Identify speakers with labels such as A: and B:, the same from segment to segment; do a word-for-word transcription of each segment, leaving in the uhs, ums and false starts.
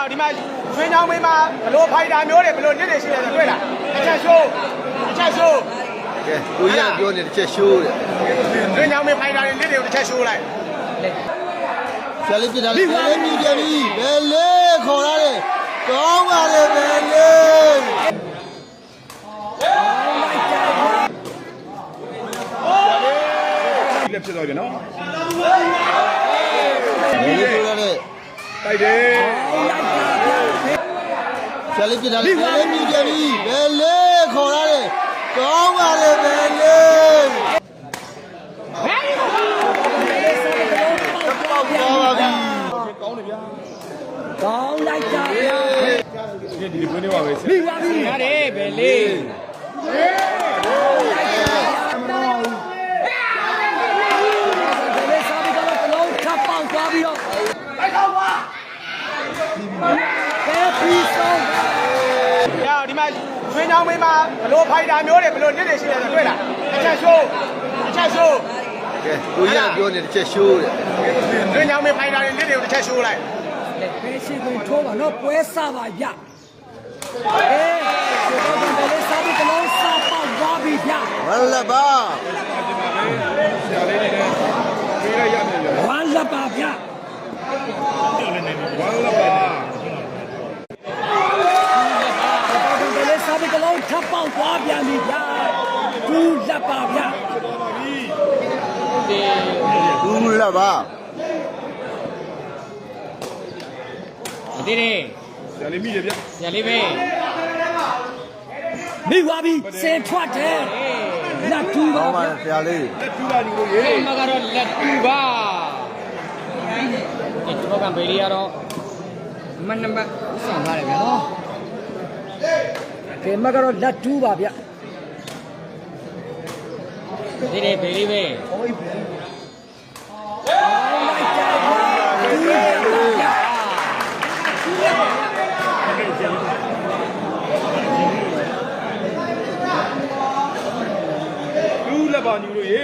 A: ဒီမှာရွှေချောင်းမင်းမှာဘလို့ဖိုက်တာမျိုးတွေဘလို့နစ်နေရှိတယ်ဆိုတွေ့လားတစ်ချက်ရှိုးတစ်ချက်ရှိုး
B: ကဲကိုကြီးကပြောနေတစ်ချက်ရှိုးတယ်
A: ရွှေချောင်းမင်းဖိုက်တာတွေနစ်တွေကိုတစ်ချက်ရှိုးလိုက်
B: ဆရာလေးပြတာလေဘယ်လေးမြည်ကြပြီဘယ်လေးခေါ်ရတယ်ကောင်းပါလေဘယ်လေး
A: လက်ဖြစ်သွားပြီနော်
B: ဘယ်လေးပြောရတယ်
A: တိုက်တယ်
B: ဆရာလေးပြတာလေဘယ်လေးမြည်ကြပြီဘယ်လေးခေါ်ရတယ်ကောင်းပါလေဘယ်လေးကောင်းပါပြီ
A: ကောင်းတယ်ဗျာ
C: ကောင်းလိုက်ကြဗျာ
A: ဒီဒီပွင့်နေပါပဲ
C: ပြီးပါပြီရတယ်ဘယ်လေးသွားပြီးတော့
A: တိုက်တော့ကွာ
C: ကဲပြီးဆုံး
A: ရဒီမှာရွှေချောင်းမင်းမှာဘလို့ဖိုက်တာမျိုးတွေဘလို့နစ်နေရှိတယ်ဆိုတွေ့လားတစ်ချက်ရှိုးတစ်ချက်ရှိုး
B: ကဲကိုကြီးကပြောနေတစ်ချက်ရှိုးတယ်
A: ရွှေချောင်းမင်းဖိုက်တာတွေနစ်တွေကိုတစ်ချက်ရှိုးလိုက်
C: ဘယ်ရှိကိုထိုးပါတော့ပွဲစားပါဗျအေးဒီတော့ဘယ်လေးစားပြီးတလုံးစားပေါက်သွားပြီဗျ
B: ဝမ်းလက်ပါ
A: ဆရာလေးတွေပြေးရရမယ်ဗျ
C: ဝမ်းလက်ပါဗျ
A: ဝမ်းလက်ပါ
C: ဘယ်လေးစားပြီးတလုံးထပ်ပေါက်သွားပြန်ပြီဗျသူ့လက်ပါဗျ
B: သူ့လက်ပါ
C: ဒီနေ့
A: ဆရာလေးမိတယ်ဗျ
C: ဆရာလေးပဲမိသွားပြီစင်ထွက်တယ်လက်တူပါ
B: ဆရာလေး
A: လက်တူပါညီကိုရေ
C: မကတော့လက်တူပါဒီတော့ကဘေးရီကတော့မနံပါတ်ဆောင်ထားတယ်ဗျာနော်ဒီမကတော့လက်တူပါဗျဒီနေ့ဘေးရီပဲ
A: ပါညီတို့ရေ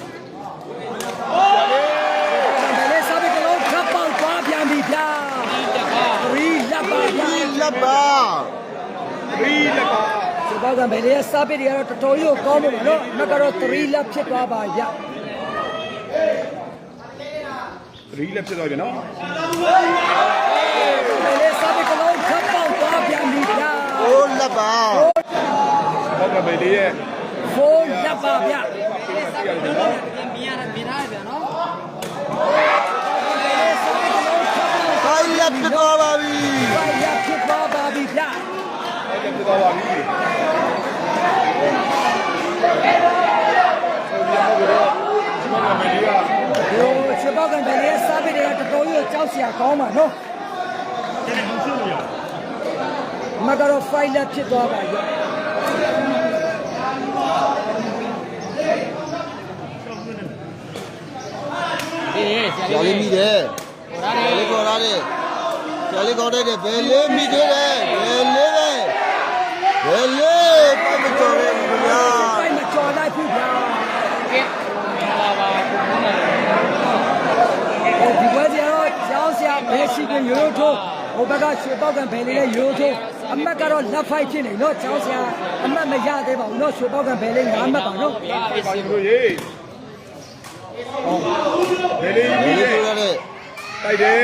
C: ဘယ်လေးစားပြီးကလုံးထပ်ပေါက်သွားပြန်ပြီဗျာဒီလက်ပါ
B: ဒီလက်ပါ
A: ဒီလက်ပါ
C: ဒီဘောကဘယ်လေးစားပြီးတွေကတော့တော်တော်ကြီးကောင်းမှာနော်မကတော့သရီလက်ဖြစ်သွားပါဗျ
A: သရီလက်ဖြစ်သွားပြီနော်
C: ဘယ်လေးစားပြီးကလုံးထပ်ပေါက်သွားပြန်ပြီဗျာ
B: ဟိုးလက်ပါ
A: ဘောကဘယ်လေးရဲ့
C: ဖိုးလက်ပါဗျ
A: မြင်ရမြင်ရတယ်ဗျာနော်
B: ခိုင်လက်ဖြစ်သွားပါပြီ
C: ခိုင်လက်ဖြစ်သွားပါပြီဗျာ
A: ခိုင်လက်ဖြစ်သွားပါပြီ
C: ချစ်ပေါက်ကံတယ်လေစားပြီးတွေကတော်တော်ကြီးကြောက်စရာကောင်းပါနော်မကတော့ဖိုင်လက်ဖြစ်သွားပါပြီ
B: ဆရာလေးမိတယ်ဆရာလေးခေါ်ရတယ်ဆရာလေးခေါ်တယ်ဘယ်လေးမိသေးတယ်ဘယ်လေးပဲဘယ်လေးပိုက်မကျော်ရဲဘူးဗျာ
C: ပိုက်မကျော်လိုက်ဘူးဗျာကဲလာပါဒီဘက်ကျတော့ကျောင်းဆရာဘယ်ရှိကရိုးထိုးဟိုဘက်ကရွှေပေါက်ကံဘယ်လေးလဲရိုးထိုးအမတ်ကတော့လက်ဖိုက်ဖြစ်နေနော်ကျောင်းဆရာအမတ်မရသေးပါဘူးနော်ရွှေပေါက်ကံဘယ်လေးငါးမှတ်ပါနော်
A: ပါညီတို့ရေဘယ်လေးကြီးလဲတိုက်တယ်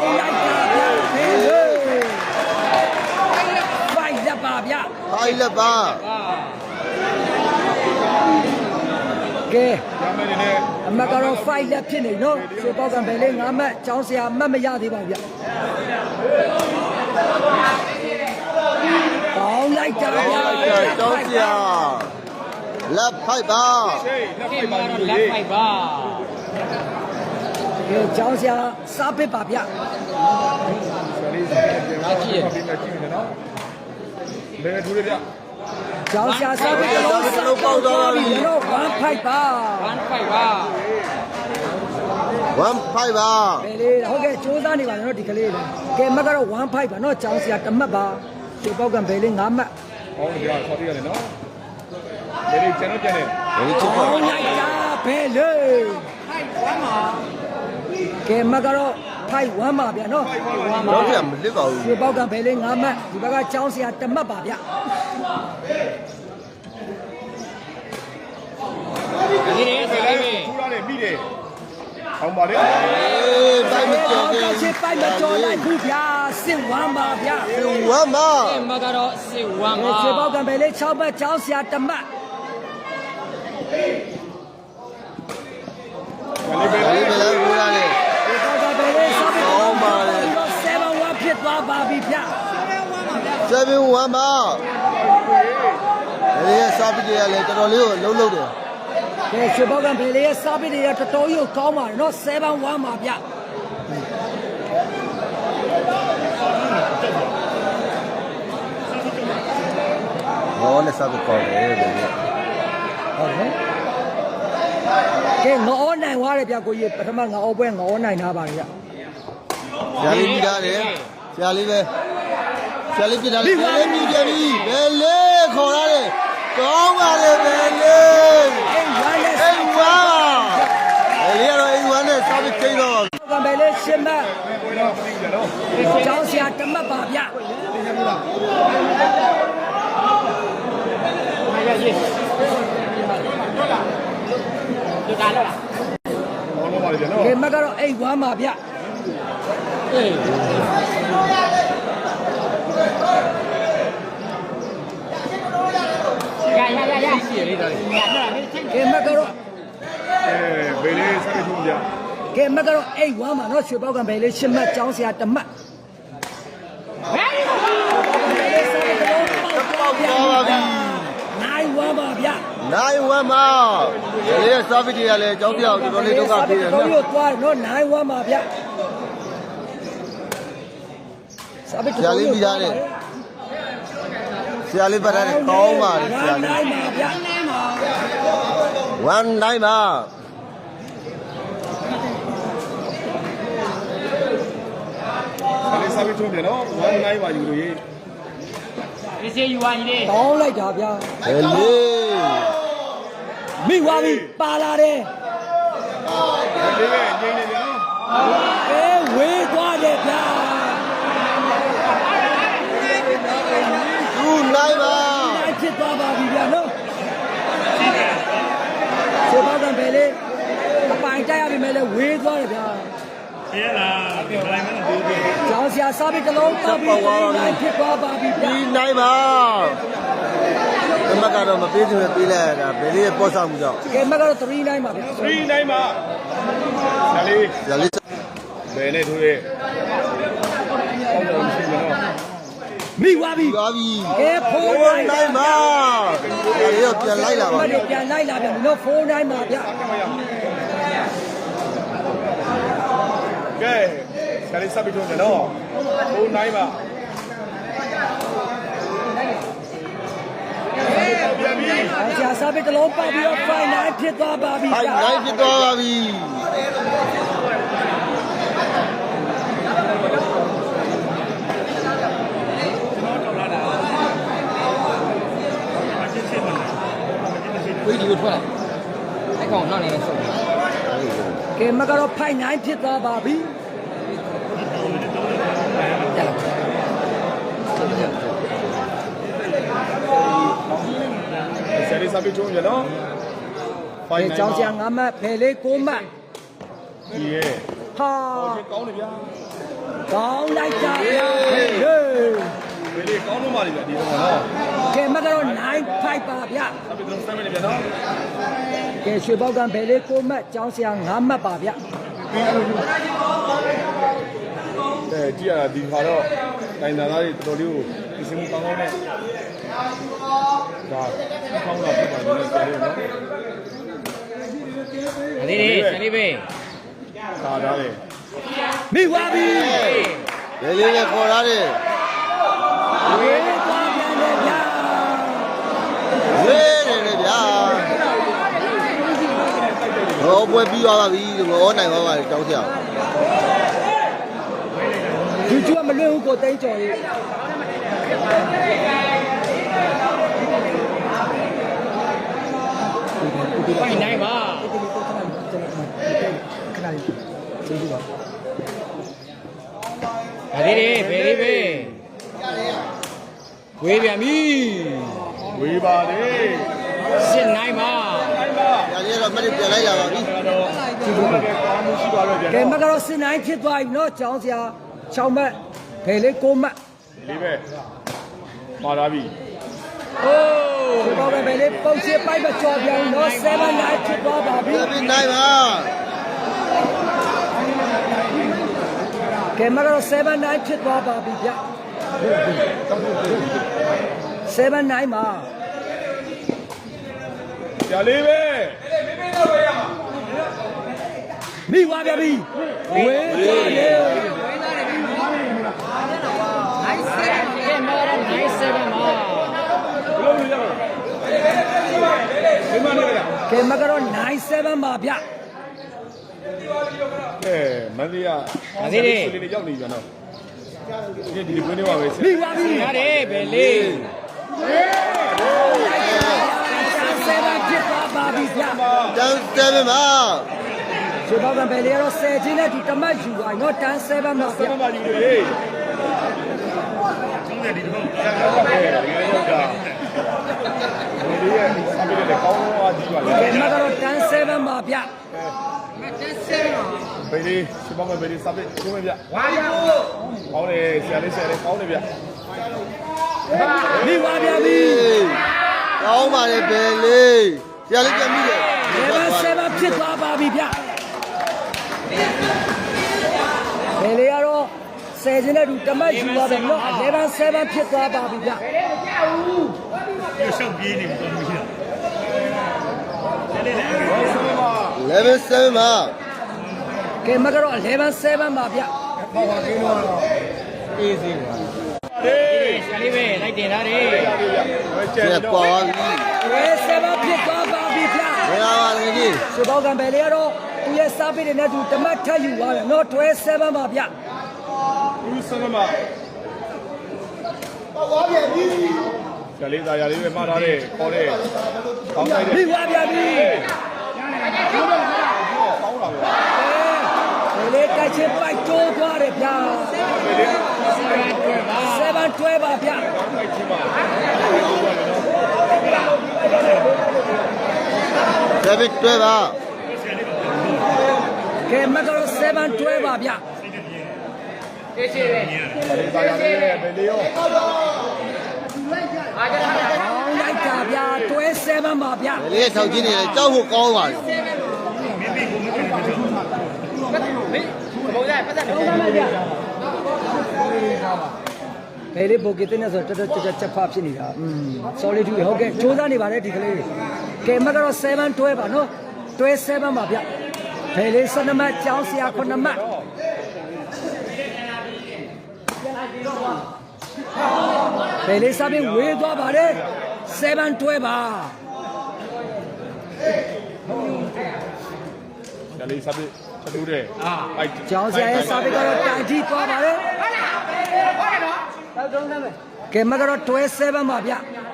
C: ဖိုက်လက်ပါဗျ
B: ဖိုက်လက်ပါ
C: ကဲအမကတော့ဖိုက်လက်ဖြစ်နေနော်ရွှေပေါက်ကံဘယ်လေးငါးမှတ်ကျောင်းဆရာအမတ်မရသေးပါဗျကောင်းလိုက်ကြဗျ
B: ကျောင်းဆရာလက်ဖိုက်ပါ
A: လက်ဖိုက်ပါလက်ဖိုက်ပါ
C: ကဲကျောင်းဆရာစားပစ်ပါဗျ
A: ဆရာလေးပြန်ကြည့်ရပြီကြည့်နေနော်ဘယ်ထူးရဗျ
C: ကျောင်းဆရာစားပစ်တော့စားပေါက်သွားပြီနော်ဝမ်းဖိုက်ပါဝမ်းဖိုက်ပါ
B: ဝမ်းဖိုက်ပါ
C: ဘယ်လေးဟုတ်ကဲ့စူးစမ်းနေပါနော်ဒီကလေးကဲမကတော့ဝမ်းဖိုက်ပါနော်ကျောင်းဆရာတမတ်ပါရွှေပေါက်ကံဘယ်လေးငါးမှတ်
A: ဟောင်းကြဆော်ပြရတယ်နော်ဘယ်လေးကျွန်တော်ကျန်တယ်
B: ဘယ်လေးချစ်ပါ
C: လိုက်တာဘယ်လေးဖိုက်ဝမ်းပါကဲမကတော့ဝဖိုက်ဝမ်းပါဗျာနော်
B: တော့ပြမလစ်ပါဘူး
C: ရွှေပေါက်ကဘယ်လေးငါးမှတ်ဒီဘက်ကကျောင်းဆရာတစ်မှတ်ပါဗျာ
D: ဒီနေ့ဆရာလေး
A: ထူရတယ်ပြီးတယ်ဟောင်းပါလေ
B: အေးပိုက်မကျော်
C: က
B: ဘူး
C: ချစ်ပိုက်မကျော်လိုက်ဘူးဗျာစစ်ဝမ်းပါဗျာ
B: ဝမ်းမ
D: မကတော့စစ်ဝမ်းပါ
C: ရွှေပေါက်ကဘယ်လေး၆မှတ်ကျောင်းဆရာတစ်မှတ်
A: လေးပဲ
B: ဒါလေးပဲလို့ရတယ်
C: ရွှေပေါက်ကဘယ်လေးဆောက်ပြီးတော့ပါလေ7 1ဖြစ်သွားပါပြီဗျာ
B: ဆယ်ဘင်းဝမ်းမဒီရဲ့စာပစ်ရလဲတော်တော်လေးကိုလှုပ်လှုပ်တယ်
C: ကဲရွှေပေါက်ကဘယ်လေးရဲ့ဆောက်ပြီးတွေကတော်တော်ကြီးကိုကောင်းပါတယ်နော်7 1ပါဗျာ
B: ဟောနဲ့စာပစ်ကောင်းတယ်ဒီ
C: ဟုတ်ကဲ့ကဲငေါနိုင်သွားတယ်ဗျာကိုကြီးပထမငေါပွဲငေါနိုင်ထားပါဗျာ
B: ဆရာလေးမိသားတယ်ဆရာလေးပဲဆရာလေးပြထားတယ်ဘယ်လေးမိကြပြီဘယ်လေးခေါ်ရတယ်ကောင်းပါလေဘယ်လေး
C: အိမ်ဝမ်းနဲ့
B: အိမ်ဝါဘယ်လေးကတော့အိမ်ဝါနဲ့စာပစ်ချိန်တော့
C: ကဘယ်လေးရှင်းမ
A: ပွဲတော့မသိဘူးနော်
C: ကျောင်းဆရာတမတ်ပါဗျာ
D: ဒီကားတော့လား
A: ဟောင်းတော့ပါလေနော်
C: ကဲမကတော့အိမ်ဝမ်းပါဗျာ
D: အေးရရရရရှိရလေးတော့ရတော့မင်းချင်း
C: ကဲမကတော့
A: အဲဘေးလေးဆက်ထူကြ
C: ကဲမကတော့အိမ်ဝမ်းပါနော်ရွှေပေါက်ကဘယ်လေးရှင်းမကျောင်းဆရာတမတ်
D: ဘယ်လို
B: ပေါက်သွားပါပြီ
C: နိုင်ဝမ်းပါဗျာ
B: နိုင်ဝမ်းမဘယ်လေးရဲ့စာပစ်ရလဲကြောင်းပြောက်တော်တော်လေးဒုက္ခပေးတယ်
C: တော်
B: နော်
C: တော်သွားတယ်နော်နိုင်ဝမ်းပါဗျာစာပစ်
B: ဆရာလေးမိသားတယ်ဆရာလေးပတ်ထားတယ်ကောင်းပါတယ်ဆရာလေး
C: နိုင်ပါဗျာ
B: ဝမ်းနိုင်ပါ
A: လေးစားပြီးထုံးတယ်နော်ဝမ်းနိုင်ပါယူလို့ရေး
D: ဒီစီယူဝိုင်းလေး
C: တောင်းလိုက်တာဗျာ
B: ဘယ်လေး
C: မိသွားပြီပါလာတယ်
A: လေးပဲငိမ့်နေပြီနော်
C: အဲဝေးသွားတယ်ဗျာ
B: သူနိုင်ပါ
C: နိုင်ဖြစ်သွားပါပြီဗျာနော်ရွှေပေါက်ကဘယ်လေးအပိုင်တိုက်ရပြီမဲ့လဲဝေးသွားတယ်ဗျာ
A: ရဲလားပြောလိုက်မယ်နော်ဒီ
C: ကျောင်းဆရာစားပြီးတစ်လုံးတောက်ပြီးနိုင်ဖြစ်သွားပါပြီဗျာ
B: ဒီနိုင်ပါအမကတော့မပေးသူနဲ့ပေးလိုက်ရတာဘယ်လေးရဲ့ပေါ့ဆောင်မှုကြောင့်
C: ကဲမကတော့3နိုင်ပါဗျာ
A: 3နိုင်ပါဆရာလေး
B: ဆရာလေး
A: ဘယ်နဲ့ထိုးရဲအောက်တော့မရှိဘူးနော်
C: မိသွားပြီ
B: သွားပြီ
C: ကဲဖိုး
B: ဖိုး
C: နိုင်
B: နိုင်ပါဆရာလေးတော့ပြန်လိုက်လာပါ
C: မနေ့ပြန်လိုက်လာပြန်ပြီနော်ဖိုးနိုင်ပါဗျာ
A: ကဲဆရာလေးစားပြီးထုံးတယ်နော်4နိုင်ပါပြန်ပြီ
C: ဆရာစားပြီးတစ်လုံးပတ်ပြီးတော့5နိုင်ဖြစ်သွားပါပြီ
B: ဖိုင်
C: ဗျာ
B: နိုင်ဖြစ်သွားပါပြီ
D: ဝေးဒီကိုထွက်လာအဲ့ကောင်နောက်နေလဲဆုံး
C: ကဲမကတော့5နိုင်ဖြစ်သွားပါပြီ
A: ဆရာလေးစားပြီးထုံးတယ်နော်
C: ကဲကျောင်းဆရာ9မှတ်ဖယ်လေး9မှတ်
A: ဒီရဲ
C: ဟာ
A: ကောင်းတယ်ဗျာ
C: ကောင်းလိုက်တာဗျာဟေး
A: ဘယ်လေးကောင်းလို့မှလေဗျာဒီကောင်နော်
C: ကဲမကတော့9 5ပါဗျာ
A: စားပြီးတော့စမ်းမယ်ဗျာနော်
C: ကဲရွှေပေါက်ကဘယ်လေး9မှတ်ကျောင်းဆရာ9မှတ်ပါဗျာ
A: အဲကြည့်ရတာဒီခါတော့တိုင်တာသားတွေတော်တော်လေးကိုဒီစမှုကောင်းကောင်းနဲ့ဒါကောင်းတော့ပြပါမယ်ဆရာလေးနော်
D: ဒီနေ့ဆရာလေးပဲ
A: သာသားတယ်
C: မိသွားပြီ
B: ဘယ်လေးနဲ့ခေါ်ရတယ်
C: ဝေးသွားပြန်တယ်ဗျာ
B: ဝေးတယ်လေဗျာဟောပွဲပြီးသွားပါပြီဟောနိုင်ပါပါကြောင်းဆရာ
C: ဒီကျွတ်မလွတ်ဘူးကိုတိတ်ကြော်ရေး
D: ဖိုင်နိုင်ပါ
C: ခဏလေးကျေးဇူးပါ
D: ဒါသေးတယ်ဘယ်လေးပဲဝေးပြန်ပြီ
A: ဝေးပါလေ
D: စစ်နိုင်ပါ
A: တိုင်းပါ
B: ညာလေးတော့မရပြန်လိုက်လာပါပြီ
A: တော့ဒီလိုပဲကောင်းမှုရှိပါတော့ဗျာ
C: ကဲမကတော့စစ်နိုင်ဖြစ်သွားပြီနော်ကျောင်းဆရာ၆မှတ်ဘယ်လေး၉မှတ်
A: လေးပဲပါလာပြီ
D: အိုး
C: ဒီတော့ဘယ်လေးပုတ်ချပိုက်မကြော်ပြန်နော်7 9ဖြစ်သွားပါပြီ
B: ပြန်ပြီးနိုင်ပါ
C: ကဲမကတော့7 9ဖြစ်သွားပါပြီဗျ7 9မှာ
A: ကြာလေးပဲ
C: မိသွားပြန်ပြီဝေးသွားတယ်
D: ကဲမော်ရနိုင်ဆယ်ပါမှာ
A: ဘယ်လိုလုပ်ရလဲဒီမှာနေရ
C: ကဲမကတော့9 7ပါဗျ
A: အဲမန္တလေးကလေးတွေရောက်နေပြန်တော့ဒီဒီကွင်းထဲမှာပဲ
C: မိသွားပြီ
D: ရတယ်ဘယ်လေး
C: 7ဖြစ်သွားပါပြီဗျ
B: တန်းစဲပါ
C: ဒီတော့ဘယ်လေးရော10ချင်းနဲ့ဒီတမတ်ယူသွားနော်တန်း7ပါဗျ
A: ဆက်ပါကြည့်လေကျောင်းတဲ့ဒီတော့ဆက်ပါပဲဒီလိုရောက်တာဒီရဲ့အမေလည်းကောင်းသွားကြည့်ပါလေ
C: ကဲမကတော့တန်း7ပါဗျ
A: ဘယ်လေးရှင်းပါမယ်ဘယ်လေးစပစ်ကျုံးမယ်ဗျဝါရီကောင်းတယ်ဆရာလေးဆရာလေးကောင်းတယ်ဗျ
C: မိသွားပြန်ပြီ
B: ကောင်းပါလေဘယ်လေးဆရာလေးပြန်ပြီလေ
C: 7 7ဖြစ်သွားပါပြီဗျဘယ်လေးကတော့10ချင်းနဲ့ဒီတမတ်ယူသွားတယ်နော်11 7ဖြစ်သွားပါပြီဗျ
B: eleven seven ပါ
C: ကဲမကတော့11 7ပါဗျ
D: အေးစေးပါ
A: ဟေး
D: ဆရာလေးပဲလိုက်တင်ထားတယ်
A: ဝဲကျ
B: ဆ
A: န်
B: ရာ
A: တော့
B: ပွားပြီ
C: ဝဲ7ဖြစ်သွားပါပြီဗျ
B: ဘယ်လာပါလဲကြီး
C: ဆိုတော့ကံပဲလေကတော့သူရဲ့စားပိတွေနဲ့သူတမတ်ထပ်ယူသွားတယ်နော်တွဲ7ပါဗျ
A: ဦးစနမပေါ့သွားပြန်ပြီဆရာလေးသားရလေးပဲမှားထားတယ်ခေါ်တယ်ကောင်းလိုက်တယ်
C: ပြီးသွားပြန်ပြီ
A: ကောင်းတာပဲ
C: ဘယ်လေးတိုက်ချင်းပိုက်တိုးသွားတယ်ဗျာ
A: ဘယ်လေး
C: 7တွဲပါဗျ
A: မိုက်ချင်းပါ
B: seven တွဲပါ
C: ကဲမကတော့7တွဲပါဗျ
D: အေးစေးပဲ
A: ဆရာလေးသားရလေးပဲဘယ်လေးရော
C: ကောင်းလိုက်တာဗျာတွဲ7ပါဗျ
B: ဘယ်လေးရဲ့ထောက်ချင်းနေလဲကြောက်ဖို့ကောင်းပါလေ
D: ဘုံရပတ်သက်တယ်
C: ဘယ်လေးဘိုကစ်နဲ့ဆိုတော်တော်ကြက်ချက်ဖဖြစ်နေတာอืม solid ဟုတ်ကဲ့စူးစမ်းနေပါတယ်ဒီကလေးကဲမကတော့7တွဲပါနော်တွဲ7ပါဗျဘယ်လေး7မှတ်ကျောင်းဆရာ9မှတ်ဘယ်လေးစားပြီးဝေးသွားပါတယ်7တွဲပါ
A: ဆရာလေးစပစ်ထတူးတယ်အာ
C: ကျောင်းဆရာရဲ့စားပြီးကတော့တိုင်ထိသွားပါတယ်ကဲမကတော့တွဲ7ပါဗျ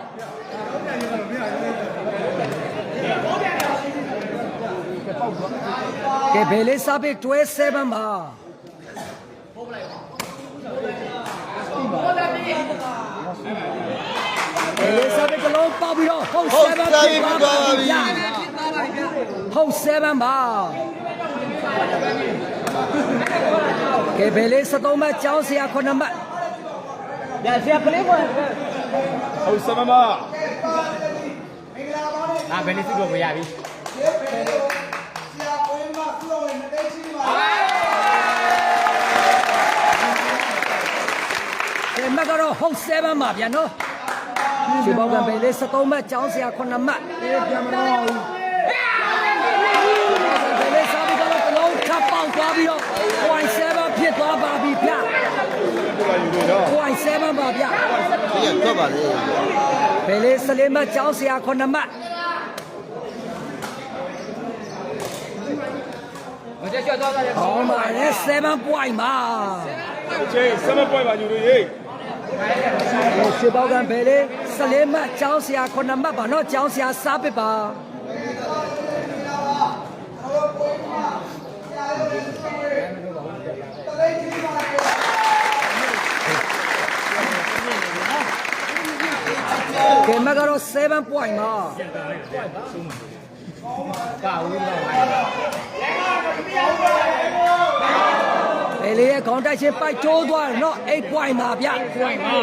C: ကဲဘယ်လေးစားပြီးတွဲ7ပါဘယ်လေးစားပြီးကလုံးပေါက်ပြီးတော့ဟုတ်7ပါပြီဟုတ်7ပါကဲဘယ်လေး73မှတ်ကျောင်းဆရာ9မှတ်ညဆရာကလေးပေါ်
A: ဟုတ်စမမ
D: အာဘယ်လေးစုတော့မရပြီ
C: ကဲမကတော့ဟုတ်7ပါဗျာနော်ဒီဘောကဘယ်လေး73မှတ်ကျောင်းဆရာ9မှတ်ပြန်မတော့ဘူးဘယ်လေးစားပြီးတော့ကလုံးထပ်ပေါက်သွားပြီးတော့0.7ဖြစ်သွားပါပြီဗျာ
A: ဒီမှာယူနေတော့
C: 0.7ပါဗျာ
B: ဒီကထွက်ပါလေ
C: ဘယ်လေး14မှတ်ကျောင်းဆရာ9မှတ်
D: မကြကြောက်သွားတယ်
C: ဟောပါလေ7 point ပါ
A: အချင်းစမပွဲပါယူနေရေး
C: ဟိုရှေပေါကံဘယ်လေး14မှတ်ကျောင်းဆရာ9မှတ်ပါနော်ကျောင်းဆရာစားပစ်ပါမကဲမကတော့7 point ပါဘယ်လေးရဲ့ခေါင်းတိုက်ချင်းပိုက်ကျိုးသွားတယ်နော်8 point ပါဗျpoint ပါ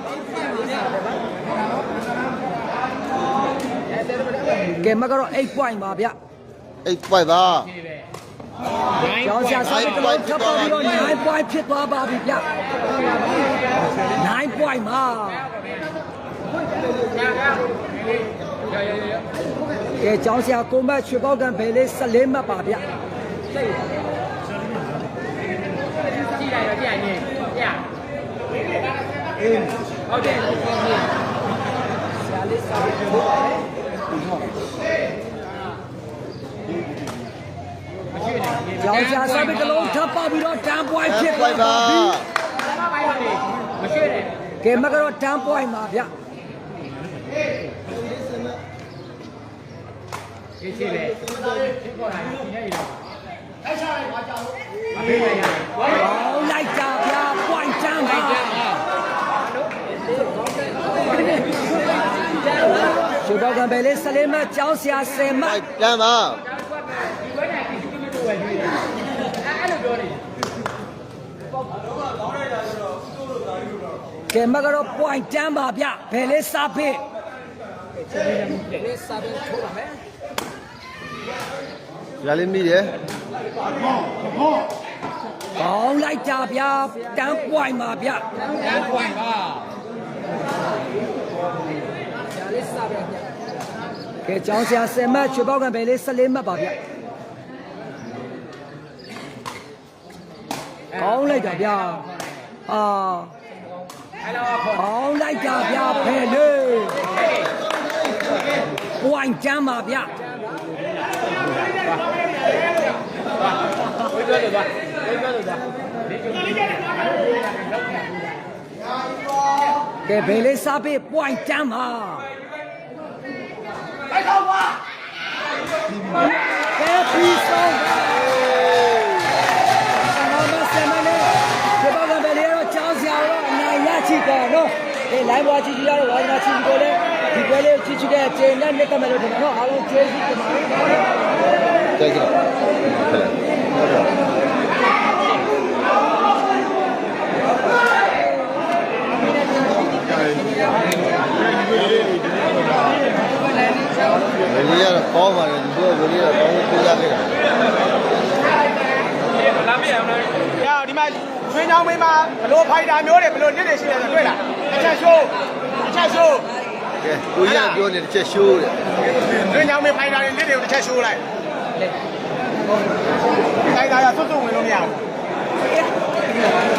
C: ကဲမကတော့8 point ပါဗျ
B: eight point ပါ
C: ကျောင်းဆရာစာပေကတော့ထပ်ပေါ်ပြီးတော့nine point ဖြစ်သွားပါပြီဗျnine point ပါကဲကျောင်းဆရာကိုမတ်ရွှေပေါက်ကံဘယ်လေး14မှတ်ပါဗျကြည့်လိုက်တော့ကြည့်ရင်ပြအေးဟုတ်တယ်ဆရာလေးစာပေပြောကျောင်းဆရာစာပေကလုံးထပ်ပေါ်ပြီးတော့10 point ဖြစ်သွားပါပြီကဲမကတော့10 point ပါဗျဒီချစ်လေဖြစ်ပေါ်လာရင်ဒီနေ့ရောအဲ့ချလိုက်ပါကြောက်မပေးရရဟောလိုက်ကြဗျာ point ချမ်းပါရှုတော့ကံပဲလေး14မှတ်ကျောင်းဆရာ10မှတ်
B: တန်းပါ
C: ကဲမကတော့ point ချမ်းပါဗျဘယ်လေးစားဖေး
B: ရလေးမိတယ်
C: ကောင်းလိုက်ကြဗျာ10 point ပါဗျ10 point ပါကဲကျောင်းဆရာ10မှတ်ချွေပေါက်ကံပဲလေး14မှတ်ပါဗျကောင်းလိုက်ကြဗျာအာကောင်းလိုက်ကြဗျာဖဲလေပွိုင်းချမ်းပါဗျဝိပြောလို့သွားဝိပြောလို့သွားကဲဘယ်လေးစားပေးပွိုင်းချမ်းပါလိုက်တော့ပါကဲပြီးဆုံးပါဆရာမလေးဒီဘောကဘယ်လေးတော့ချောင်းဆရာတော့အနိုင်ရချစ်တယ်နော်ဒီလိုင်းဘွားကြီးကြီးရတော့ဝါသနာချစ်ကိုလည်းဒီပွဲလေးကိုချစ်ချစ်တဲ့အချိန်နဲ့နှစ်ကမဲ့လို့ဒီတော့အားလုံးကျေးဇူးတင်ပါတယ်
B: ကြိုက်ကြည့်ဘယ်လိုရတော့ကောင်းပါတယ်ဒီလိုဘယ်လိုရတော့ကောင်းကိုရခဲ့တာ
E: လာမေးအောင်လား။ဒီမှာရွှေချောင်းမင်းမှာဘလို့ဖိုက်တာမျိုးတွေဘလို့နစ်နေရှိတယ်ဆိုတွေ့လား။တစ်ချက်ရှိုးတစ်ချက်ရှိုး
B: ကဲကိုရပြောနေတစ်ချက်ရှိုးတယ်
E: ရွှေချောင်းမင်းဖိုက်တာတွေနစ်တွေကိုတစ်ချက်ရှိုးလိုက်။ဖိုက်တာရစွတ်စွတ်ဝင်လို့မရဘူး